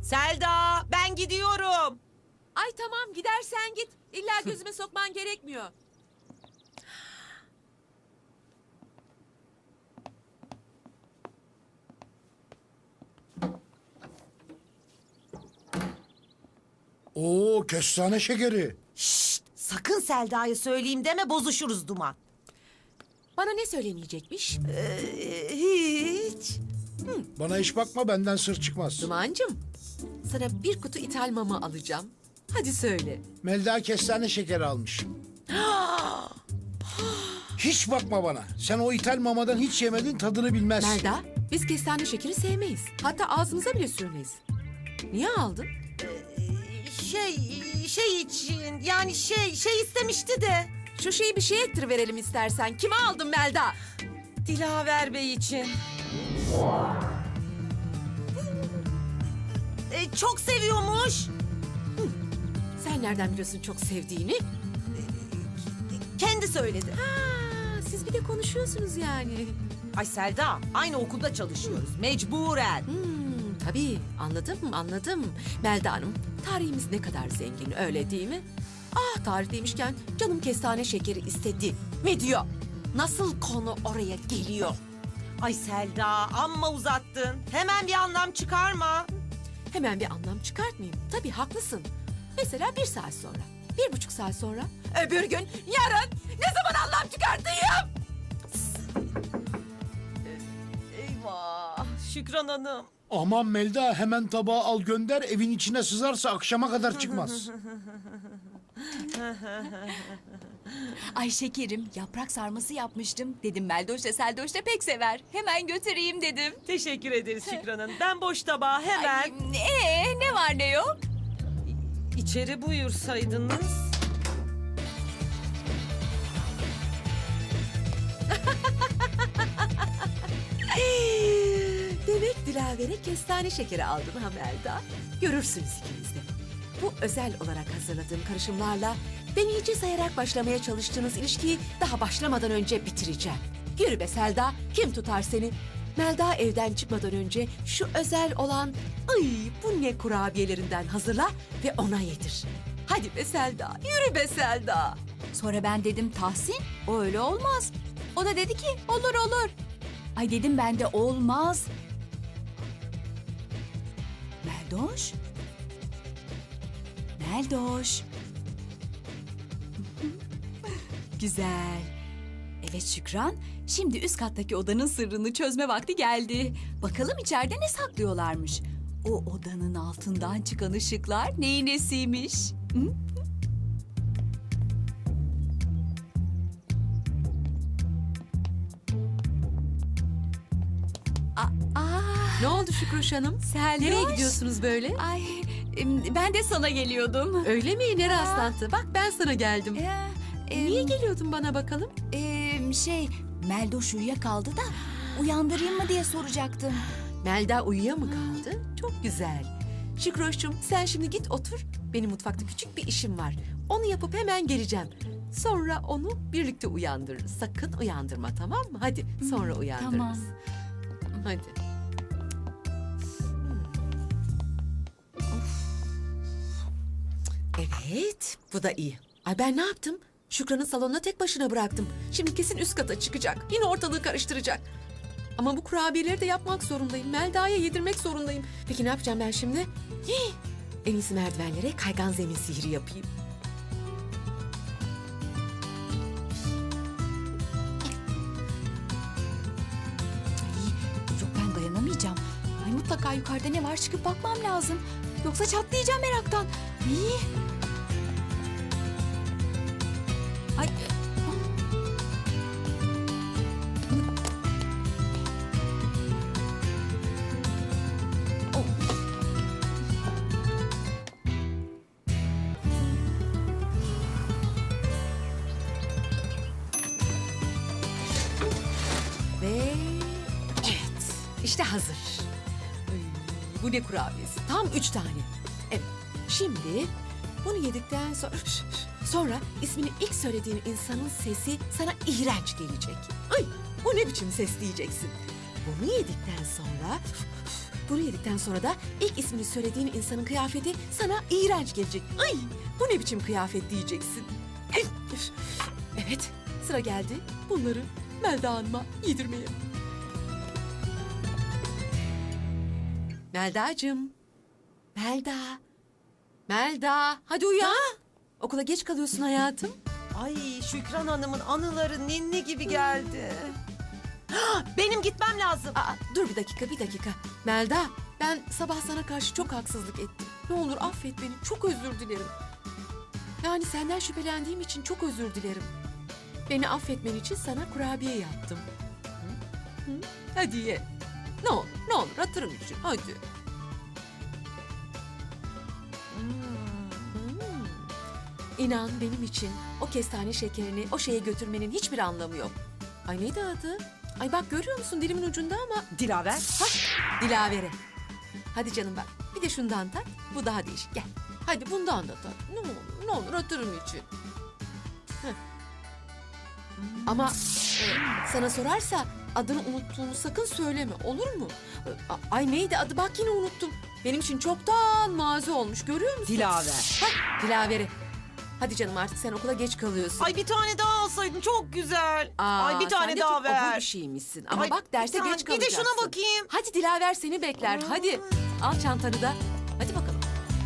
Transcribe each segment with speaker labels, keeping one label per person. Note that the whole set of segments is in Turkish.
Speaker 1: Selda, ben gidiyorum.
Speaker 2: Ay tamam gidersen git. İlla gözüme sokman gerekmiyor.
Speaker 3: Oo, kestane şekeri.
Speaker 1: Şşt, sakın Selda'ya söyleyeyim deme, bozuşuruz Duman.
Speaker 2: Bana ne söylemeyecekmiş?
Speaker 1: Hiç.
Speaker 3: Bana hiç bakma, benden sır çıkmaz.
Speaker 2: Dumancığım, sana bir kutu ithal mama alacağım. Hadi söyle.
Speaker 3: Melda kestane şekeri almış. Hiç bakma bana. Sen o ithal mamadan hiç yemedin, tadını bilmezsin.
Speaker 2: Melda, biz kestane şekeri sevmeyiz. Hatta ağzımıza bile sürmeyiz. Niye aldın?
Speaker 1: Şey için, yani şey istemişti de.
Speaker 2: Şu şeyi bir şey ettiriverelim istersen. Kime aldın Melda?
Speaker 1: Dilaver Bey için. Çok seviyormuş.
Speaker 2: Sen nereden biliyorsun çok sevdiğini?
Speaker 1: Kendi söyledi.
Speaker 2: Ha, siz bir de konuşuyorsunuz yani.
Speaker 1: Ay Selda, aynı okulda çalışıyoruz. Mecburen.
Speaker 2: Tabii anladım. Melda Hanım, tarihimiz ne kadar zengin öyle değil mi? Ah tarih demişken canım kestane şekeri istedi. Ne diyor? Nasıl konu oraya geliyor?
Speaker 1: Ay Selda, amma uzattın. Hemen bir anlam çıkarma.
Speaker 2: Hemen bir anlam çıkartmayayım. Tabii haklısın. Mesela 1 saat sonra, 1,5 saat sonra, öbür gün, yarın ne zaman anlam çıkartayım?
Speaker 1: Eyvah, Şükran Hanım.
Speaker 3: Aman Melda, hemen tabağı al gönder, evin içine sızarsa akşama kadar çıkmaz.
Speaker 4: Ay şekerim, yaprak sarması yapmıştım. Dedim Meldoş da Seldoş da pek sever. Hemen götüreyim dedim.
Speaker 1: Teşekkür ederiz Şükran Hanım. Ben boş tabağı hemen...
Speaker 4: Ay, ne var ne yok?
Speaker 1: İçeri buyursaydınız.
Speaker 2: Demek Dilaver'e kestane şekeri aldın ha Melda. Görürsünüz ikiniz de. Bu özel olarak hazırladığım karışımlarla deneyici sayarak başlamaya çalıştığınız ilişkiyi daha başlamadan önce bitireceğim. Yürü be Selda, kim tutar seni? Melda evden çıkmadan önce şu özel olan ay bu ne kurabiyelerinden hazırla ve ona yedir. Hadi be Selda, yürü be Selda.
Speaker 4: Sonra ben dedim Tahsin, o öyle olmaz. O da dedi ki olur olur. Ay dedim ben de olmaz. Meldoş. Meldoş. Güzel. Evet Şükran, şimdi üst kattaki odanın sırrını çözme vakti geldi. Bakalım içeride ne saklıyorlarmış. O odanın altından çıkan ışıklar neyin nesiymiş? Hı?
Speaker 2: Ne oldu Şükroş Hanım?
Speaker 4: Seldoş.
Speaker 2: Nereye gidiyorsunuz böyle?
Speaker 4: Ay, ben de sana geliyordum.
Speaker 2: Öyle mi? Ne rastlantı? Bak ben sana geldim. Niye
Speaker 4: Niye
Speaker 2: geliyordun bana bakalım?
Speaker 4: Meldoş uyuyakaldı da uyandırayım mı diye soracaktım.
Speaker 2: Melda uyuya mı kaldı? Çok güzel. Şükroş'cum sen şimdi git otur. Benim mutfakta küçük bir işim var. Onu yapıp hemen geleceğim. Sonra onu birlikte uyandırırız. Sakın uyandırma tamam mı? Hadi sonra uyandırırız.
Speaker 4: Tamam.
Speaker 2: Hadi. Evet, bu da iyi. Ay ben ne yaptım? Şükran'ı salonuna tek başına bıraktım. Şimdi kesin üst kata çıkacak. Yine ortalığı karıştıracak. Ama bu kurabiyeleri de yapmak zorundayım. Melda'ya yedirmek zorundayım. Peki ne yapacağım ben şimdi? Hii! En iyisi merdivenlere kaygan zemin sihri yapayım.
Speaker 4: Yok ben dayanamayacağım. Ay mutlaka yukarıda ne var çıkıp bakmam lazım. Yoksa çatlayacağım meraktan. İyi. Ay. Oh.
Speaker 2: Ve evet, işte hazır. Ay, bu ne kurabiyesi? Tam 3 tane. Evet, şimdi bunu yedikten sonra ismini ilk söylediğin insanın sesi sana iğrenç gelecek. Ay, bu ne biçim ses diyeceksin. Bunu yedikten sonra Bunu yedikten sonra da ilk ismini söylediğin insanın kıyafeti sana iğrenç gelecek. Ay, bu ne biçim kıyafet diyeceksin. Evet, sıra geldi bunları Melda Hanım'a yedirmeye. Melda'cığım. Melda, hadi uyan. Okula geç kalıyorsun hayatım.
Speaker 1: Ay Şükran Hanım'ın anıları ninni gibi geldi. Benim gitmem lazım.
Speaker 2: Dur bir dakika. Melda, ben sabah sana karşı çok haksızlık ettim. Ne olur affet beni, çok özür dilerim. Yani senden şüphelendiğim için çok özür dilerim. Beni affetmen için sana kurabiye yaptım. Hı? Hadi ye. Ne olur hatırım için, hadi. İnan benim için o kestane şekerini o şeye götürmenin hiçbir anlamı yok. Ay neydi adı? Ay bak görüyor musun dilimin ucunda ama.
Speaker 1: Dilaver.
Speaker 2: Dilavere. Hadi canım bak. Bir de şundan tat. Bu daha değişik. Gel. Hadi bundan da tat. Ne olur hatırım için. Heh. Ama sana sorarsa adını unuttuğunu sakın söyleme. Olur mu? Ay neydi adı? Bak yine unuttum. Benim için çoktan mazi olmuş. Görüyor musun?
Speaker 1: Dilaver.
Speaker 2: Dilavere. Hadi canım artık sen okula geç kalıyorsun.
Speaker 1: Ay bir tane daha alsaydın çok güzel. Ay bir
Speaker 2: sen
Speaker 1: tane
Speaker 2: de
Speaker 1: daha
Speaker 2: çok obur bir
Speaker 1: ver.
Speaker 2: şeymişsin. Ama
Speaker 1: Ay,
Speaker 2: bak derse
Speaker 1: bir tane-
Speaker 2: geç kalacaksın.
Speaker 1: Bir de şuna bakayım.
Speaker 2: Hadi Dilaver seni bekler. Hadi al çantanı da. Hadi bakalım.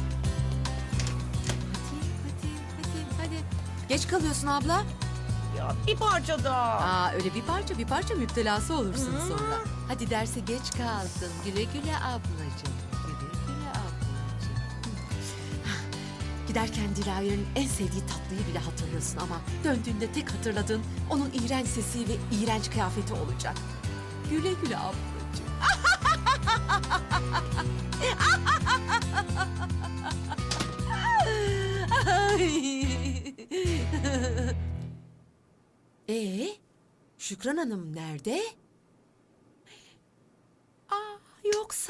Speaker 2: Hadi. Geç kalıyorsun abla.
Speaker 1: Ya bir parça daha.
Speaker 2: Öyle bir parça müptelası olursun sonra. Hadi derse geç kaldın. Güle güle ablacığım. Güle ablacığım. Giderken Dilaver'in en sevdiği tatlıyı bile hatırlıyorsun ama döndüğünde tek hatırladığın onun iğrenç sesi ve iğrenç kıyafeti olacak. Güle güle ablacığım. Şükran Hanım nerede? Yoksa...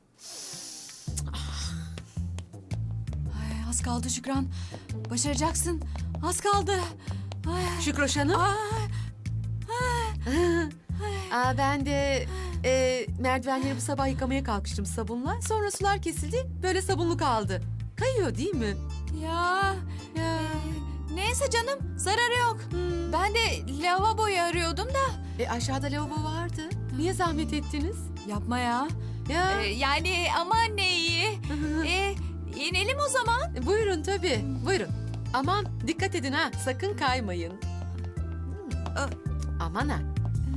Speaker 4: Ay, az kaldı Şükran. Başaracaksın. Az kaldı. Ay,
Speaker 2: Şükroş Hanım? Ben de merdivenleri bu sabah yıkamaya kalkıştım sabunla. Sonra sular kesildi, böyle sabunlu kaldı. Kayıyor değil mi?
Speaker 4: ya. Neyse canım, zararı yok. Ben de lavaboyu arıyordum da.
Speaker 2: Aşağıda lavabo vardı. Niye zahmet ettiniz?
Speaker 4: Yapma ya.
Speaker 2: Ya.
Speaker 4: Yani ama ne iyi. İnelim o zaman.
Speaker 2: Buyurun tabii, buyurun. Aman dikkat edin ha, sakın kaymayın. Aman ha.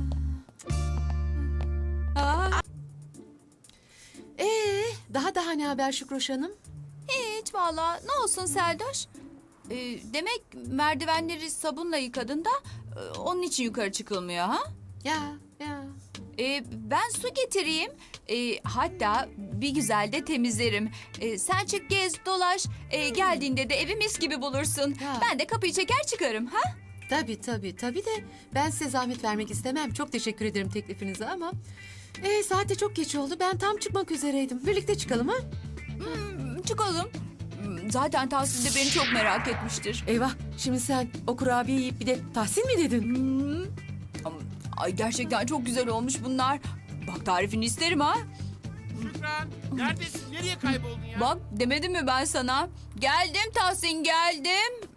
Speaker 2: Daha ne haber Şükroş Hanım?
Speaker 4: Hiç valla, ne olsun Seldoş. Demek merdivenleri sabunla yıkadın da onun için yukarı çıkılmıyor ha?
Speaker 2: Ya.
Speaker 4: Ben su getireyim. Hatta bir güzel de temizlerim. Sen çık gez dolaş. Geldiğinde de evi mis gibi bulursun.
Speaker 2: Ya.
Speaker 4: Ben de kapıyı çeker çıkarım ha?
Speaker 2: Tabii de ben size zahmet vermek istemem. Çok teşekkür ederim teklifinize ama... saat de çok geç oldu. Ben tam çıkmak üzereydim. Birlikte çıkalım ha?
Speaker 4: Çıkalım. Zaten Tahsin de beni çok merak etmiştir.
Speaker 2: Eyvah, şimdi sen o kurabiye yiyip bir de Tahsin mi dedin?
Speaker 4: Ay gerçekten çok güzel olmuş bunlar. Bak tarifini isterim ha.
Speaker 5: Şükran, neredesin? Nereye kayboldun ya?
Speaker 4: Bak demedim mi ben sana? Geldim Tahsin geldim.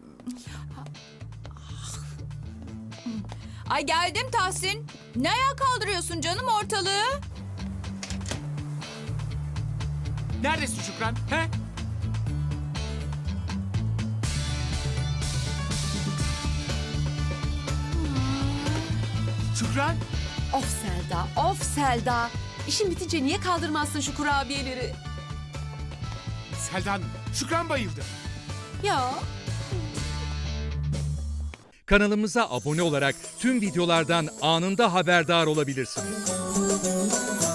Speaker 4: Ay geldim Tahsin. Ne ayağa kaldırıyorsun canım ortalığı?
Speaker 5: Neredesin Şükran? He? Şükran?
Speaker 2: Of Selda. İşin bitince niye kaldırmazsın şu kurabiyeleri?
Speaker 5: Seldan, Şükran bayıldı.
Speaker 2: Ya.
Speaker 6: Kanalımıza abone olarak tüm videolardan anında haberdar olabilirsiniz.